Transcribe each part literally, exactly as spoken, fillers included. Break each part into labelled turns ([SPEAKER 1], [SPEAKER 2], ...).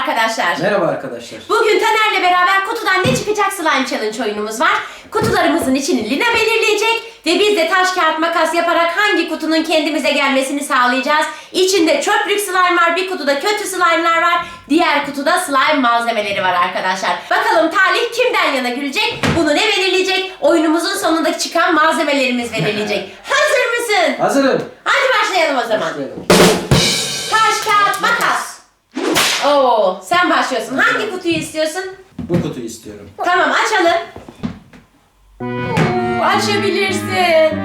[SPEAKER 1] arkadaşlar.
[SPEAKER 2] Merhaba arkadaşlar.
[SPEAKER 1] Bugün Taner'le beraber kutudan ne çıkacak slime challenge oyunumuz var. Kutularımızın içini Lina belirleyecek ve biz de taş kağıt makas yaparak hangi kutunun kendimize gelmesini sağlayacağız. İçinde çöplük slime var, bir kutuda kötü slime'lar var, diğer kutuda slime malzemeleri var arkadaşlar. Bakalım talih kimden yana gülecek? Bunu ne belirleyecek? Oyunumuzun sonunda çıkan malzemelerimiz belirleyecek. Hazır mısın?
[SPEAKER 2] Hazırım.
[SPEAKER 1] Hadi başlayalım o zaman.
[SPEAKER 2] Başlayalım.
[SPEAKER 1] Taş kağıt makas. Oo, sen başlıyorsun. Hangi kutuyu istiyorsun?
[SPEAKER 2] Bu kutuyu istiyorum.
[SPEAKER 1] Tamam, açalım. Oo, açabilirsin.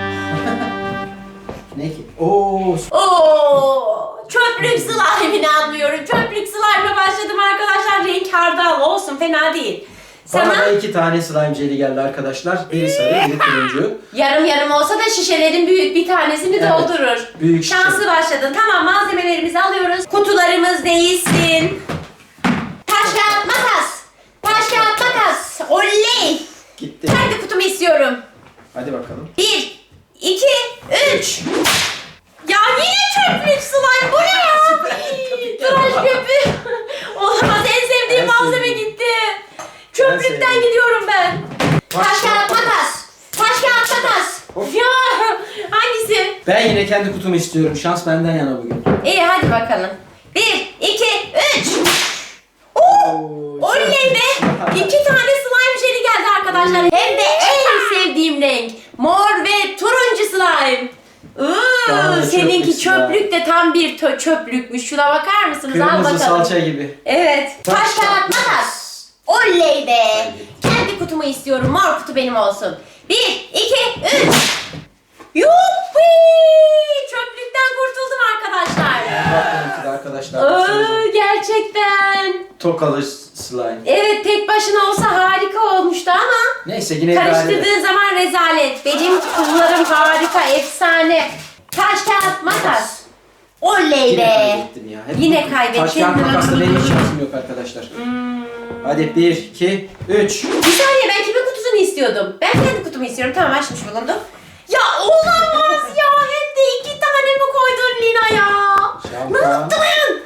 [SPEAKER 2] Ne ki? Oo.
[SPEAKER 1] Oo, çöplük slime'ini anlıyorum. Çöplük slime'la başladım arkadaşlar. Renk hardal olsun, fena değil.
[SPEAKER 2] Bana
[SPEAKER 1] Sana
[SPEAKER 2] da iki tane slime jeli geldi arkadaşlar. Biri sarı, biri turuncu.
[SPEAKER 1] yarım yarım olsa da şişelerin büyük bir tanesini
[SPEAKER 2] Evet,
[SPEAKER 1] doldurur.
[SPEAKER 2] büyük şişe.
[SPEAKER 1] Şanslı başladın. Tamam, malzemelerimizi alıyoruz. Kutularımız değilsin. Taş kağıt makas. Taş kağıt makas. Oley.
[SPEAKER 2] Gitti.
[SPEAKER 1] Kendi kutumu istiyorum.
[SPEAKER 2] Hadi bakalım.
[SPEAKER 1] Bir, iki, üç. Ya yine çöplük slime. Bu ne ya? Tıraş köpüğü. Olamaz, en sevdiğim
[SPEAKER 2] En
[SPEAKER 1] malzeme
[SPEAKER 2] sevdiğim.
[SPEAKER 1] gitti. Çöplükten
[SPEAKER 2] sevdiğim.
[SPEAKER 1] gidiyorum ben.
[SPEAKER 2] Taş
[SPEAKER 1] Taş
[SPEAKER 2] kağıt
[SPEAKER 1] kağıt makas. Taş kağıt makas.
[SPEAKER 2] Of.
[SPEAKER 1] Ya hangisi?
[SPEAKER 2] Ben yine kendi kutumu istiyorum. Şans benden yana bugün.
[SPEAKER 1] İyi, hadi bakalım. Bir, iki, üç. Oo,
[SPEAKER 2] Oo,
[SPEAKER 1] oley be. İki tane slime jeli geldi arkadaşlar. Hem de en sevdiğim renk. Mor ve turuncu slime.
[SPEAKER 2] Daha
[SPEAKER 1] Iıı,
[SPEAKER 2] da
[SPEAKER 1] seninki
[SPEAKER 2] çöplük slime.
[SPEAKER 1] çöplük de tam bir tö- çöplükmüş. Şuna bakar mısınız? Al
[SPEAKER 2] Kırmızı
[SPEAKER 1] bakalım.
[SPEAKER 2] salça gibi.
[SPEAKER 1] Evet.
[SPEAKER 2] Taş,
[SPEAKER 1] Taş
[SPEAKER 2] kağıt,
[SPEAKER 1] kağıt makas. Oley be. Kendi kutumu istiyorum. Mor kutu benim olsun. Bir, iki, üç. Yuppi! Çöplükten kurtuldum arkadaşlar.
[SPEAKER 2] Bak benimki de arkadaşlar.
[SPEAKER 1] Aa,
[SPEAKER 2] baksanıza.
[SPEAKER 1] gerçekten.
[SPEAKER 2] Tokalı slime.
[SPEAKER 1] Evet, tek başına olsa harika olmuştu ama
[SPEAKER 2] Neyse yine idare eder.
[SPEAKER 1] karıştırdığın zaman rezalet. Benim kutularım harika, efsane. Taş kağıt makas. Oley
[SPEAKER 2] Yine
[SPEAKER 1] be.
[SPEAKER 2] kaybettim ya. Hep
[SPEAKER 1] Yine kaybettin.
[SPEAKER 2] Taş kağıt makasla benim hiç şansım yok arkadaşlar.
[SPEAKER 1] Hmm.
[SPEAKER 2] Hadi bir, iki, üç.
[SPEAKER 1] Bir saniye, ben kimin kutusunu istiyordum? Ben kendi kutumu istiyorum. Tamam, açmış bulundum. Ya olamaz ya. Hem de iki tane mi koydun Lina ya? Ne
[SPEAKER 2] Şampuan.
[SPEAKER 1] yaptın?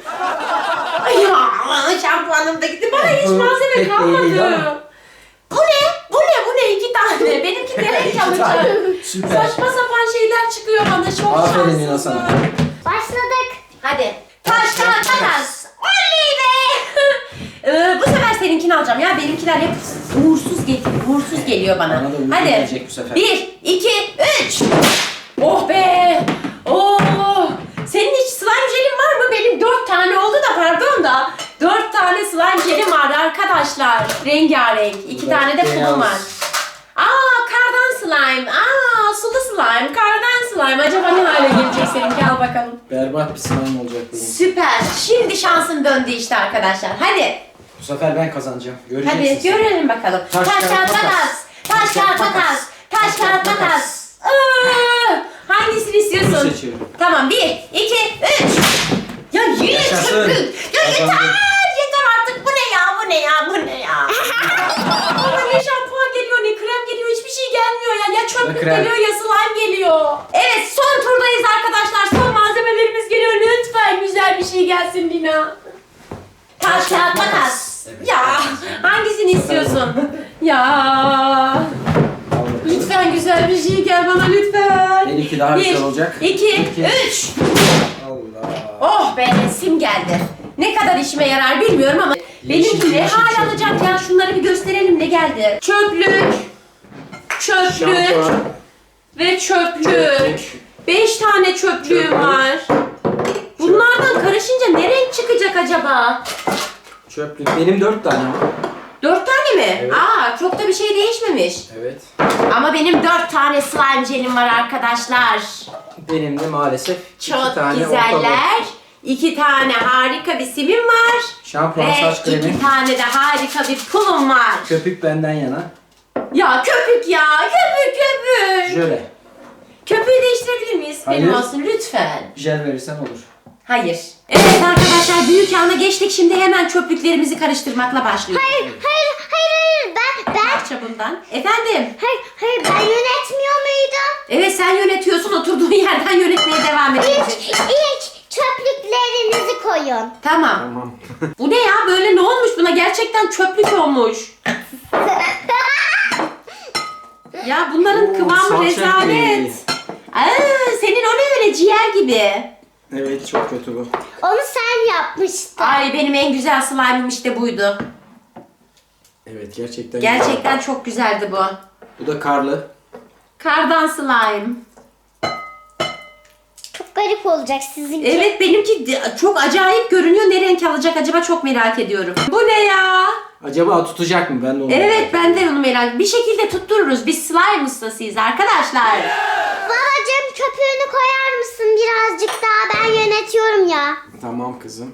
[SPEAKER 1] Ay ya, şampuanım da gitti. Bana hiç
[SPEAKER 2] Bu
[SPEAKER 1] malzeme
[SPEAKER 2] pek de iyi değil
[SPEAKER 1] kalmadı.
[SPEAKER 2] ama.
[SPEAKER 1] Bu ne? Bu ne? Bu ne? İki tane. Benimki de renk
[SPEAKER 2] İki tane.
[SPEAKER 1] alacağım.
[SPEAKER 2] Süper.
[SPEAKER 1] Saçma sapan şeyler çıkıyor bana. Çok
[SPEAKER 2] Aferin Lina
[SPEAKER 1] şanslısın.
[SPEAKER 2] sana.
[SPEAKER 3] Başladık.
[SPEAKER 1] Hadi. Taş kağıt makas. Oley be. Ee, bu sefer seninkini alacağım ya. Benimkiler hep uğursuz geliyor. Uğursuz geliyor bana.
[SPEAKER 2] Bana da uğursuz
[SPEAKER 1] Hadi.
[SPEAKER 2] gelecek bu sefer.
[SPEAKER 1] Bir, iki, üç. Oh be. Oh. Senin hiç slime jelin var mı? Benim dört tane oldu da, pardon da. Dört tane slime jelim var arkadaşlar. Rengarenk. İki
[SPEAKER 2] Bu da
[SPEAKER 1] tane de pulum
[SPEAKER 2] beyaz.
[SPEAKER 1] var. Aa, kardan slime. Aa, sulu slime. Kardan slime. Acaba ne hale gelecek seninki? Al bakalım.
[SPEAKER 2] Berbat bir slime olacak bugün.
[SPEAKER 1] Süper. Şimdi şansın döndü işte arkadaşlar. Hadi.
[SPEAKER 2] Bu sefer ben kazanacağım. Göreceksin.
[SPEAKER 1] Hadi
[SPEAKER 2] sen.
[SPEAKER 1] görelim bakalım.
[SPEAKER 2] Taş,
[SPEAKER 1] Taş
[SPEAKER 2] kağıt,
[SPEAKER 1] kağıt
[SPEAKER 2] makas.
[SPEAKER 1] makas. Taş kağıt makas. Taş kağıt makas. Aa, hangisini
[SPEAKER 2] Bunu
[SPEAKER 1] istiyorsun?
[SPEAKER 2] seçiyorum.
[SPEAKER 1] Tamam, bir, iki, üç. Ya yine
[SPEAKER 2] Yaşasın.
[SPEAKER 1] çöplük. Ya yeter.
[SPEAKER 2] Kazandım.
[SPEAKER 1] Yeter artık. Bu ne ya? Bu ne ya? Bu ne ya? Bana ne şampuan geliyor, ne krem geliyor. Hiçbir şey gelmiyor ya. Ya çöplük
[SPEAKER 2] krem.
[SPEAKER 1] geliyor ya slime geliyor. Evet, son turdayız arkadaşlar. Son malzemelerimiz geliyor. Lütfen güzel bir şey gelsin Lina. Taş kağıt makas.
[SPEAKER 2] Evet,
[SPEAKER 1] Ya
[SPEAKER 2] makas.
[SPEAKER 1] hangisini istiyorsun? Ya
[SPEAKER 2] Al bakalım.
[SPEAKER 1] lütfen güzel bir şey gel bana lütfen.
[SPEAKER 2] Benimki daha
[SPEAKER 1] Bir,
[SPEAKER 2] güzel olacak.
[SPEAKER 1] iki,
[SPEAKER 2] İki.
[SPEAKER 1] üç.
[SPEAKER 2] Allah.
[SPEAKER 1] Oh be, sim geldi. Ne kadar işime yarar bilmiyorum ama
[SPEAKER 2] Yeşil,
[SPEAKER 1] benimki ne
[SPEAKER 2] yeşil
[SPEAKER 1] hal
[SPEAKER 2] çöplük.
[SPEAKER 1] alacak ya, şunları bir gösterelim ne geldi. Çöplük, çöplük
[SPEAKER 2] Şampuan.
[SPEAKER 1] ve çöplük.
[SPEAKER 2] Çöplük.
[SPEAKER 1] Beş tane çöplüğüm
[SPEAKER 2] Çöplük.
[SPEAKER 1] var. Bunlardan karışınca ne renk çıkacak acaba?
[SPEAKER 2] Çöplük. Benim dört tane var.
[SPEAKER 1] Dört tane mi?
[SPEAKER 2] Evet.
[SPEAKER 1] Aa, çok da bir şey değişmemiş.
[SPEAKER 2] Evet.
[SPEAKER 1] Ama benim dört tane slime jelim var arkadaşlar.
[SPEAKER 2] Benim de maalesef
[SPEAKER 1] Çok
[SPEAKER 2] iki tane orta boy.
[SPEAKER 1] güzeller. İki tane harika bir simim var.
[SPEAKER 2] Şampuan,
[SPEAKER 1] Ve
[SPEAKER 2] saç kremi.
[SPEAKER 1] iki tane de harika bir pulum var.
[SPEAKER 2] Köpük benden yana.
[SPEAKER 1] Ya köpük ya, köpük köpük.
[SPEAKER 2] Jöle.
[SPEAKER 1] Köpüğü değiştirebilir miyiz? Benim
[SPEAKER 2] Hayır.
[SPEAKER 1] olsun lütfen.
[SPEAKER 2] Jel verirsen olur.
[SPEAKER 1] Hayır. Evet arkadaşlar, büyük ana geçtik. Şimdi hemen çöplüklerimizi karıştırmakla başlıyoruz.
[SPEAKER 3] Hayır, hayır, hayır, hayır. Ben, ben,
[SPEAKER 1] Parça bundan. Efendim?
[SPEAKER 3] hayır, hayır. Ben yönetmiyor muydum?
[SPEAKER 1] Evet, sen yönetiyorsun. Oturduğun yerden yönetmeye devam
[SPEAKER 3] İlk,
[SPEAKER 1] ediyorsun.
[SPEAKER 3] ilk çöplüklerinizi koyun.
[SPEAKER 1] Tamam.
[SPEAKER 2] Tamam.
[SPEAKER 1] Bu ne ya? Böyle ne olmuş buna? Gerçekten çöplük olmuş. Ya bunların
[SPEAKER 2] Oo,
[SPEAKER 1] kıvamı
[SPEAKER 2] salça
[SPEAKER 1] rezalet.
[SPEAKER 2] ekmeği.
[SPEAKER 1] Aa, senin o ne öyle ciğer gibi.
[SPEAKER 2] Evet, çok kötü bu.
[SPEAKER 3] Onu sen yapmıştın.
[SPEAKER 1] Ay benim en güzel slime'ım işte buydu.
[SPEAKER 2] Evet, gerçekten.
[SPEAKER 1] Gerçekten çok güzeldi bu.
[SPEAKER 2] Bu da karlı.
[SPEAKER 1] Kardan slime.
[SPEAKER 3] Çok garip olacak sizinki.
[SPEAKER 1] Evet benimki de- çok acayip görünüyor. Ne renk alacak acaba çok merak ediyorum. Bu ne ya?
[SPEAKER 2] Acaba tutacak mı? Ben de onu
[SPEAKER 1] Evet
[SPEAKER 2] merak
[SPEAKER 1] ben de
[SPEAKER 2] ediyorum.
[SPEAKER 1] onu merak Bir şekilde tuttururuz. Biz slime ustasıyız arkadaşlar.
[SPEAKER 3] Babacığım köpüğünü koyar mısın birazcık daha? Ben yönetiyorum ya.
[SPEAKER 2] Tamam kızım.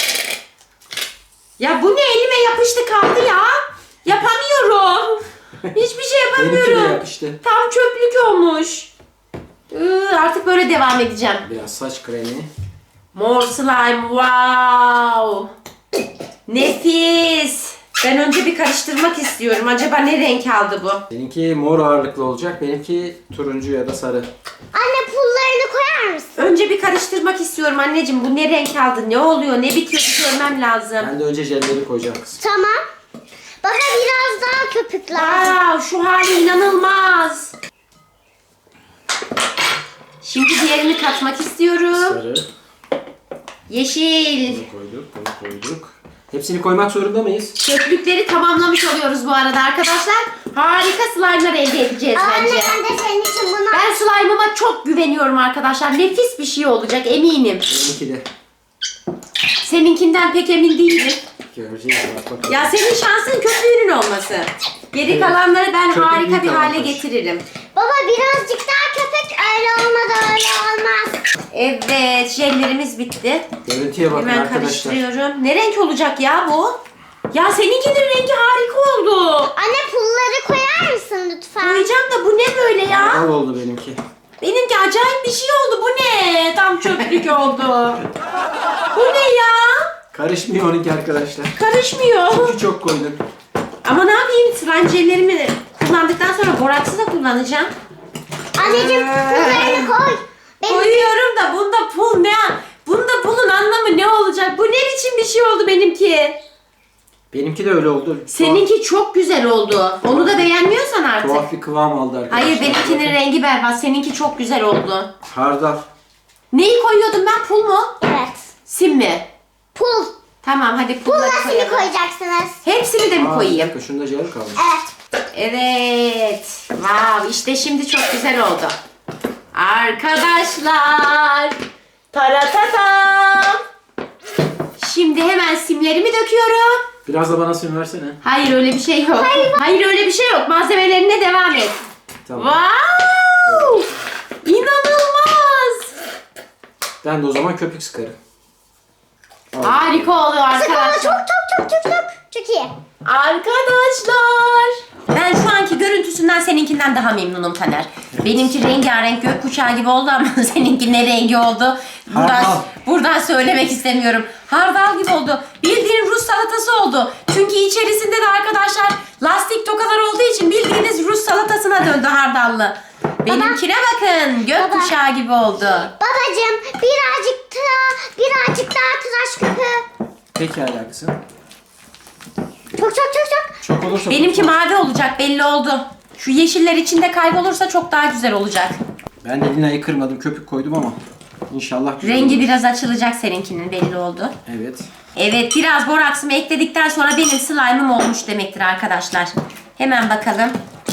[SPEAKER 1] Ya bu ne elime yapıştı kaldı ya. Yapamıyorum. Hiçbir şey
[SPEAKER 2] Benimki de
[SPEAKER 1] yapamıyorum.
[SPEAKER 2] yapıştı.
[SPEAKER 1] Tam çöplük olmuş. Iı, artık böyle devam edeceğim.
[SPEAKER 2] Biraz saç kremi.
[SPEAKER 1] Mor slime wow. Nefis. Ben önce bir karıştırmak istiyorum. Acaba ne renk aldı bu?
[SPEAKER 2] Seninki mor ağırlıklı olacak. Benimki turuncu ya da sarı.
[SPEAKER 3] Anne pullarını koyar mısın?
[SPEAKER 1] Önce bir karıştırmak istiyorum anneciğim. Bu ne renk aldı? Ne oluyor? Ne bitiyor? Bir görmem lazım.
[SPEAKER 2] Ben de önce jelleri koyacağım kızım.
[SPEAKER 3] Tamam. Bana biraz daha köpük lazım.
[SPEAKER 1] Wow, şu hali inanılmaz. Şimdi diğerini katmak istiyorum.
[SPEAKER 2] Sarı.
[SPEAKER 1] Yeşil.
[SPEAKER 2] Bunu koyduk, bunu koyduk. Hepsini koymak zorunda mıyız?
[SPEAKER 1] Çöplükleri tamamlamış oluyoruz bu arada arkadaşlar. Harika slime'lar elde edeceğiz
[SPEAKER 3] Anne
[SPEAKER 1] bence.
[SPEAKER 3] ben de senin için bunu...
[SPEAKER 1] Ben slime'ıma çok güveniyorum arkadaşlar. Nefis bir şey olacak eminim.
[SPEAKER 2] Benimki de.
[SPEAKER 1] Seninkinden pek emin değilim.
[SPEAKER 2] Göreceğiz. Bak bakalım.
[SPEAKER 1] Ya senin şansın köpüğünün olması. Geri
[SPEAKER 2] Evet.
[SPEAKER 1] kalanları ben
[SPEAKER 2] Köpük
[SPEAKER 1] harika
[SPEAKER 2] büyük
[SPEAKER 1] bir hale
[SPEAKER 2] avantaj.
[SPEAKER 1] getiririm.
[SPEAKER 3] Baba birazcık daha köpük öyle olmadı öyle olmaz.
[SPEAKER 1] Evet, jellerimiz bitti.
[SPEAKER 2] Görüntüye bakın
[SPEAKER 1] Hemen
[SPEAKER 2] arkadaşlar.
[SPEAKER 1] karıştırıyorum. Ne renk olacak ya bu? Ya seninkinin rengi harika oldu.
[SPEAKER 3] Anne pulları koyar mısın lütfen?
[SPEAKER 1] Koyacağım da bu ne böyle ya?
[SPEAKER 2] Al oldu benimki.
[SPEAKER 1] Benimki acayip bir şey oldu. Bu ne? Tam çöplük oldu. Bu ne ya?
[SPEAKER 2] Karışmıyor onunki arkadaşlar.
[SPEAKER 1] Karışmıyor.
[SPEAKER 2] Çünkü çok koydun.
[SPEAKER 1] Ama ne yapayım? Slime jellerimi kullandıktan sonra boraksı da kullanacağım.
[SPEAKER 3] Anneciğim pullarını koy. Benim
[SPEAKER 1] Koyuyorum da bunda pul ne? Bunda pulun anlamı ne olacak? Bu ne biçim bir şey oldu benimki?
[SPEAKER 2] Benimki de öyle oldu.
[SPEAKER 1] Seninki çok güzel oldu. Onu da beğenmiyorsan
[SPEAKER 2] Tuhaf,
[SPEAKER 1] artık.
[SPEAKER 2] tuhaf bir kıvam aldı arkadaşlar.
[SPEAKER 1] Hayır benimkinin
[SPEAKER 2] Bakın.
[SPEAKER 1] rengi berbat. Seninki çok güzel oldu.
[SPEAKER 2] Hardal.
[SPEAKER 1] Neyi koyuyordum ben? Pul mu?
[SPEAKER 3] Evet.
[SPEAKER 1] Sim mi?
[SPEAKER 3] Pul.
[SPEAKER 1] Tamam hadi pulları
[SPEAKER 3] Pul nasıl
[SPEAKER 1] koyalım.
[SPEAKER 3] koyacaksınız?
[SPEAKER 1] Hepsini de mi
[SPEAKER 2] Aa, bir
[SPEAKER 1] koyayım?
[SPEAKER 2] dakika, şunda jel kalmış.
[SPEAKER 3] Evet.
[SPEAKER 1] Evet. Wow, işte şimdi çok güzel oldu. Arkadaşlar. Taratatam. Şimdi hemen simlerimi döküyorum.
[SPEAKER 2] Biraz da bana sim versene.
[SPEAKER 1] Hayır öyle bir şey yok. Hayır, öyle bir şey yok. Malzemelerine devam et.
[SPEAKER 2] Tamam.
[SPEAKER 1] Wow! İnanılmaz.
[SPEAKER 2] Ben de o zaman köpük sıkarım. Al.
[SPEAKER 1] Harika oluyor
[SPEAKER 3] Sık onu
[SPEAKER 1] arkadaşlar.
[SPEAKER 3] çok çok çok çok çok. Çok iyi.
[SPEAKER 1] Arkadaşlar. Ben şu anki görüntüsünden seninkinden daha memnunum Taner. Benimki rengarenk gökkuşağı gibi oldu ama seninki ne rengi oldu? Buradan,
[SPEAKER 2] Hardal.
[SPEAKER 1] buradan söylemek istemiyorum. Hardal gibi oldu. Bildiğin Rus salatası oldu. Çünkü içerisinde de arkadaşlar lastik tokalar olduğu için bildiğiniz Rus salatasına döndü hardallı. Benimkine bakın. Gökkuşağı gibi oldu.
[SPEAKER 3] Babacığım birazcık daha birazcık daha tıraş köpüğü.
[SPEAKER 2] Pekala kızım.
[SPEAKER 3] Çok çok çok çok.
[SPEAKER 2] Çok olursa...
[SPEAKER 1] Benimki mavi olacak belli oldu. Şu yeşiller içinde kaybolursa çok daha güzel olacak.
[SPEAKER 2] Ben de Lina'yı kırmadım. Köpük koydum ama. İnşallah güzel
[SPEAKER 1] Rengi
[SPEAKER 2] olur.
[SPEAKER 1] biraz açılacak seninkinin belli oldu.
[SPEAKER 2] Evet.
[SPEAKER 1] Evet biraz boraksımı ekledikten sonra benim slime'ım olmuş demektir arkadaşlar. Hemen bakalım.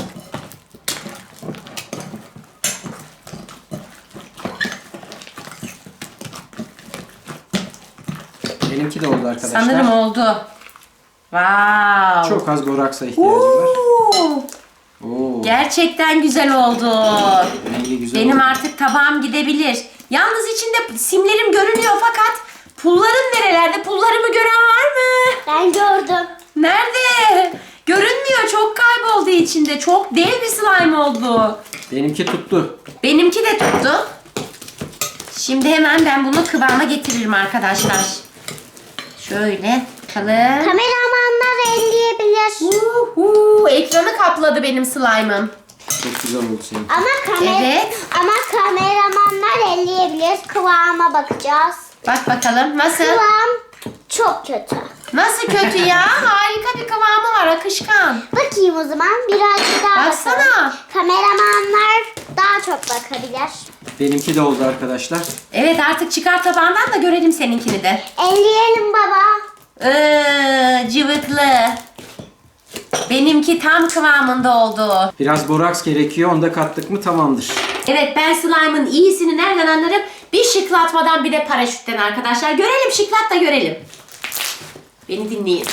[SPEAKER 2] Benimki de oldu arkadaşlar.
[SPEAKER 1] Sanırım oldu. Wow.
[SPEAKER 2] Çok az boraksa ihtiyacım var.
[SPEAKER 1] Oo,
[SPEAKER 2] Oo.
[SPEAKER 1] gerçekten güzel oldu.
[SPEAKER 2] Rengi güzel
[SPEAKER 1] Benim
[SPEAKER 2] oldu.
[SPEAKER 1] artık tabağım gidebilir. Yalnız içinde simlerim görünüyor fakat pullarım nerelerde? Pullarımı gören var mı?
[SPEAKER 3] Ben gördüm.
[SPEAKER 1] Nerede? Görünmüyor. Çok kayboldu içinde. Çok dev bir slime oldu.
[SPEAKER 2] Benimki tuttu.
[SPEAKER 1] Benimki de tuttu. Şimdi hemen ben bunu kıvama getiririm arkadaşlar. Şöyle bakalım.
[SPEAKER 3] Kameramanlar elleyebilir.
[SPEAKER 1] Uhu, ekranı kapladı benim slime'ım.
[SPEAKER 2] Çok güzel oldu senin.
[SPEAKER 3] Ama kamera
[SPEAKER 1] Evet.
[SPEAKER 3] ama kameramanlar elleyebilir. Kıvama bakacağız.
[SPEAKER 1] Bak bakalım nasıl?
[SPEAKER 3] Kıvam çok kötü.
[SPEAKER 1] Nasıl kötü ya? Harika bir kıvamı var, akışkan.
[SPEAKER 3] Bakayım o zaman birazcık daha
[SPEAKER 1] Baksana.
[SPEAKER 3] bakalım. Kameramanlar daha çok bakabilir.
[SPEAKER 2] Benimki de oldu arkadaşlar.
[SPEAKER 1] Evet, artık çıkar tabağından da görelim seninkini de.
[SPEAKER 3] Elleyelim baba.
[SPEAKER 1] Iııı, cıvıklı. Benimki tam kıvamında oldu.
[SPEAKER 2] Biraz boraks gerekiyor. Onu da kattık mı tamamdır.
[SPEAKER 1] Evet, ben slime'ın iyisini nereden anlarım? Bir şıklatmadan bir de paraşütten arkadaşlar. Görelim, şıklat da görelim. Beni dinleyin.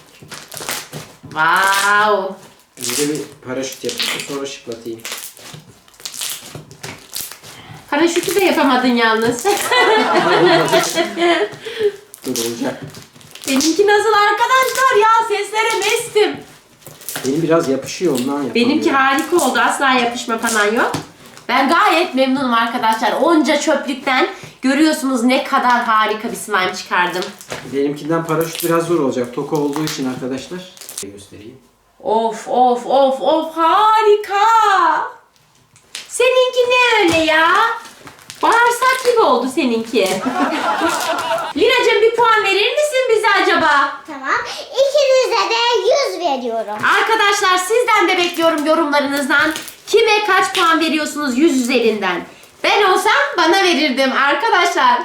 [SPEAKER 1] Wow.
[SPEAKER 2] Önce bir paraşüt yapayım. Sonra şıklatayım.
[SPEAKER 1] Paraşütü de yapamadın yalnız.
[SPEAKER 2] Dur olacak.
[SPEAKER 1] Benimki nasıl arkadaşlar ya? Seslere mestim.
[SPEAKER 2] Benim biraz yapışıyor ondan yapamıyorum.
[SPEAKER 1] Benimki harika oldu. Asla yapışma falan yok. Ben gayet memnunum arkadaşlar. Onca çöplükten görüyorsunuz ne kadar harika bir slime çıkardım.
[SPEAKER 2] Benimkinden paraşüt biraz zor olacak. Toka olduğu için arkadaşlar. Göstereyim.
[SPEAKER 1] Of of of of harika. Seninki ne öyle ya? Bağırsak gibi oldu seninki. Lina'cığım bir puan verir misin bize acaba?
[SPEAKER 3] Tamam. İkinize de yüz veriyorum.
[SPEAKER 1] Arkadaşlar sizden de bekliyorum yorumlarınızdan. Kime kaç puan veriyorsunuz yüz üzerinden? Ben olsam bana verirdim arkadaşlar.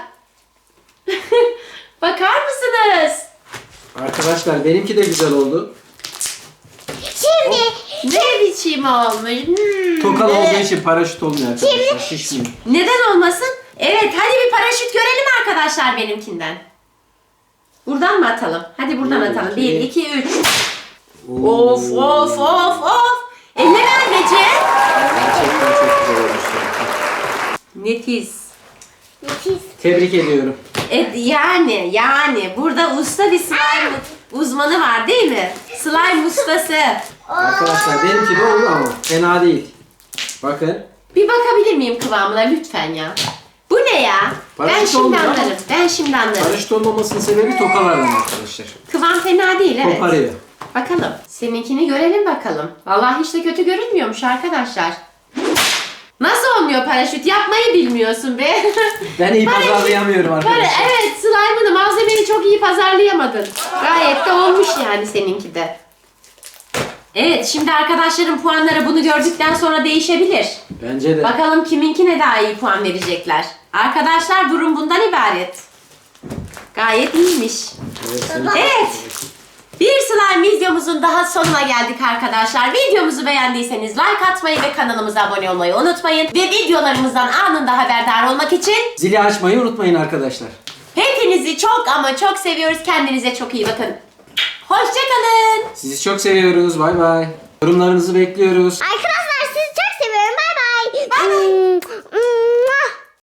[SPEAKER 1] Bakar mısınız?
[SPEAKER 2] Arkadaşlar benimki de güzel oldu.
[SPEAKER 3] Şimdi
[SPEAKER 1] Ne biçim olmuş. Hmm,
[SPEAKER 2] Tokalı
[SPEAKER 1] evet.
[SPEAKER 2] olduğu için paraşüt olmuyor arkadaşlar. Şişmiyor.
[SPEAKER 1] Neden olmasın? Evet, hadi bir paraşüt görelim arkadaşlar benimkinden. Buradan mı atalım? Hadi buradan
[SPEAKER 2] Bir,
[SPEAKER 1] atalım.
[SPEAKER 2] iki.
[SPEAKER 1] Bir, iki, üç. Of of of of. Eller anneciğim.
[SPEAKER 2] Gerçekten çok güzel olmuş.
[SPEAKER 1] Nefis.
[SPEAKER 3] nefis.
[SPEAKER 2] Tebrik ediyorum.
[SPEAKER 1] E, yani yani burada usta bir slime uzmanı var değil mi? Slime ustası.
[SPEAKER 2] Arkadaşlar benimki de oldu ama fena değil. Bakın.
[SPEAKER 1] Bir bakabilir miyim kıvamına lütfen ya? Bu ne ya? Ben
[SPEAKER 2] Paraşüt
[SPEAKER 1] şimdi
[SPEAKER 2] olmuyor ama.
[SPEAKER 1] anlarım. Ben şimdi anlarım.
[SPEAKER 2] Paraşüt olmamasının sebebi tokalardan arkadaşlar.
[SPEAKER 1] Kıvam fena değil, evet.
[SPEAKER 2] Koparıyor.
[SPEAKER 1] Bakalım. Seninkini görelim bakalım. Vallahi hiç de kötü görünmüyormuş arkadaşlar. Nasıl olmuyor paraşüt? Yapmayı bilmiyorsun be.
[SPEAKER 2] Ben iyi
[SPEAKER 1] Paraşüt-
[SPEAKER 2] pazarlayamıyorum
[SPEAKER 1] Para,
[SPEAKER 2] arkadaşlar.
[SPEAKER 1] evet, slime'ını, malzemeni çok iyi pazarlayamadın. Gayet de olmuş yani seninki de. Evet, şimdi arkadaşların puanları bunu gördükten sonra değişebilir.
[SPEAKER 2] Bence de.
[SPEAKER 1] Bakalım kiminkine daha iyi puan verecekler. Arkadaşlar durum bundan ibaret. Gayet iyiymiş.
[SPEAKER 2] Evet, senin-
[SPEAKER 1] Evet. Bir slime videomuzun daha sonuna geldik arkadaşlar. Videomuzu beğendiyseniz like atmayı ve kanalımıza abone olmayı unutmayın. Ve videolarımızdan anında haberdar olmak için
[SPEAKER 2] Zili açmayı unutmayın arkadaşlar.
[SPEAKER 1] hepinizi çok ama çok seviyoruz. Kendinize çok iyi bakın. Hoşçakalın.
[SPEAKER 2] Sizi çok seviyoruz. Bay bay. Yorumlarınızı bekliyoruz.
[SPEAKER 3] Arkadaşlar